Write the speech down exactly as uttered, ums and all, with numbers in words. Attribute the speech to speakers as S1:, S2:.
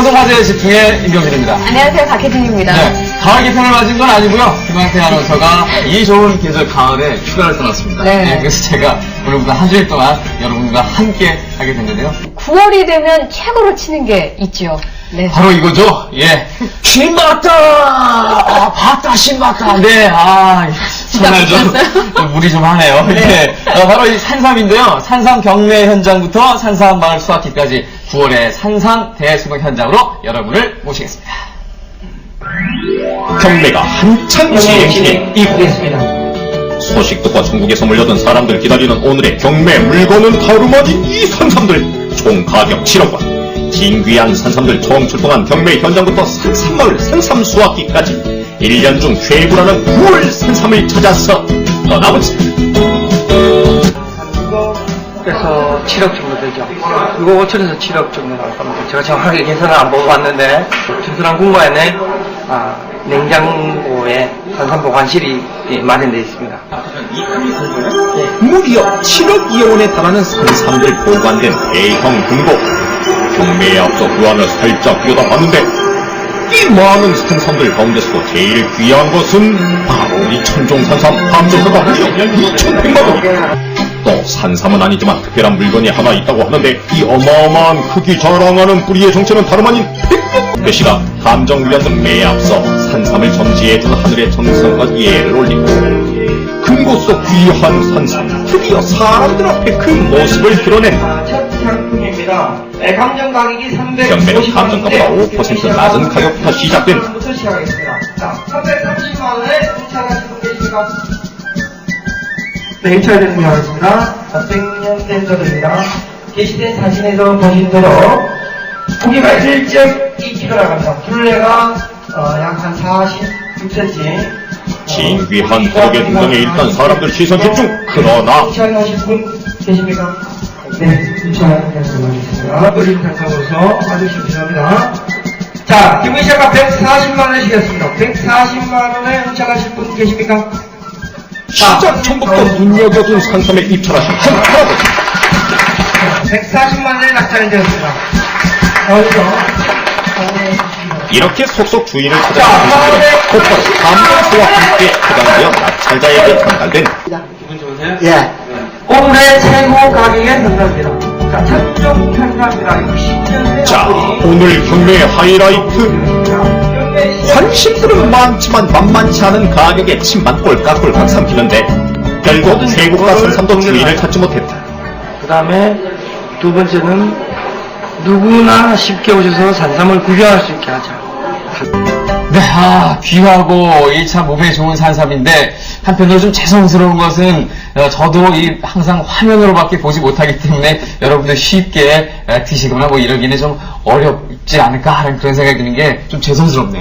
S1: 방송 화제에 집중해 임경진입니다.
S2: 안녕하세요, 박혜진입니다.
S1: 네, 가을 개편을 맞은 건 아니고요. 김광태 아나운서가 이 좋은 계절 가을에 휴가를 떠났습니다.
S2: 네.
S1: 네, 그래서 제가 오늘부터 한 주일 동안 여러분과 함께 하게 됐는데요.
S2: 구월이 되면 최고로 치는 게 있죠. 네.
S1: 바로 이거죠. 예, 신봤다. 아, 봤다, 신봤다. 네, 아, 정말 좀, 좀 무리 좀 하네요. 네. 예, 어, 바로 이 산삼인데요. 산삼 경매 현장부터 산삼 마을 수확기까지 구월의 산삼 대수목 현장으로 여러분을 모시겠습니다.
S3: 경매가 한창 진행 중인 이곳. 소식 듣고 전국에서 몰려든 사람들 기다리는 오늘의 경매 물건은 다름아닌 이 산삼들. 총 가격 칠억 원. 진귀한 산삼들 총 출동한 경매 현장부터 산삼마을 산삼 수확기까지 일 년 중 최고라는 구월 산삼을 찾아서 떠나보자.
S4: 그래서 칠억 정도 되죠. 이거 오천에서 칠억 정도 나올 겁니다. 제가 정확하게 계산을 안 보고 왔는데, 주스랑 공과에는 아, 냉장고에 산삼 보관실이 예, 마련되어 있습니다.
S3: 무려 칠억 이원에 달하는 산삼들 보관된 대형 금고. 경매에 앞서 그 안을 살짝 들여다봤는데 이 많은 산삼들 가운데서도 제일 귀한 것은 바로 이 천종산삼 합쳐서가 무려 이천백만 원. 또 산삼은 아니지만 특별한 물건이 하나 있다고 하는데 이 어마어마한 크기 자랑하는 뿌리의 정체는 다름 아닌 백년 배시가 감정위안 등 매에 앞서 산삼을 점지해준 하늘의 정성과 예를 올리고 금고 속 귀한 산삼 드디어 사람들 앞에 그 모습을 드러낸
S4: 첫 상품입니다. 네, 감정 가격이
S3: 경매는
S4: 삼백오십만
S3: 감정가보다 오 퍼센트 낮은 가격부터 시작된
S4: 부터 시작하겠습니다. 자, 삼백삼십만 원에 응찰하시는 분 계십니까? 네, 응찰되는 게 하겠습니다. 자, 백 년 된 거입니다. 게시된 사진에서 보신 대로 고기가 일 점 이 킬로그램입니다. 둘레가 어, 약 한 사십육 센티미터.
S3: 진귀한 가격의 등장에 일단 사람들 시선 집중. 그러나
S4: 응찰하실 분 계십니까? 네, 응찰하겠습니다. 어린 탄창으로서 아주시 필요합니다. 자, 기분 시작가 백사십만 원이시겠습니다. 백사십만 원에 응찰하실 분 계십니까?
S3: 시작 전부터 눈여겨둔 산삼에 입찰하신 한 할아버지.
S4: 백사십만 원에 낙찰이 되었습니다. 어디서?
S3: 이렇게 속속 주인을 찾아가는 분들은 곧바로 감정소와 함께 해당되어 낙찰자에게 전달된
S4: 예. 오늘의 최고 가격에 현상입니다. 자, 첫종 현상입니다. 육십 년대.
S3: 자, 오늘 경매 하이라이트. 관심들은 많지만 만만치 않은 가격에 침만 꼴깍꼴깍 삼키는데 결국 세고가 산삼도 주인을 찾지 못했다.
S4: 그 다음에 두 번째는 누구나 쉽게 오셔서 산삼을 구경할 수 있게 하자.
S1: 네, 아, 귀하고 이 참 몸에 좋은 산삼인데 한편으로 좀 죄송스러운 것은 어, 저도 이 항상 화면으로밖에 보지 못하기 때문에 여러분들 쉽게 에, 드시거나 뭐 이러기는 좀 어렵지 않을까 하는 그런 생각이 드는 게 좀 죄송스럽네요.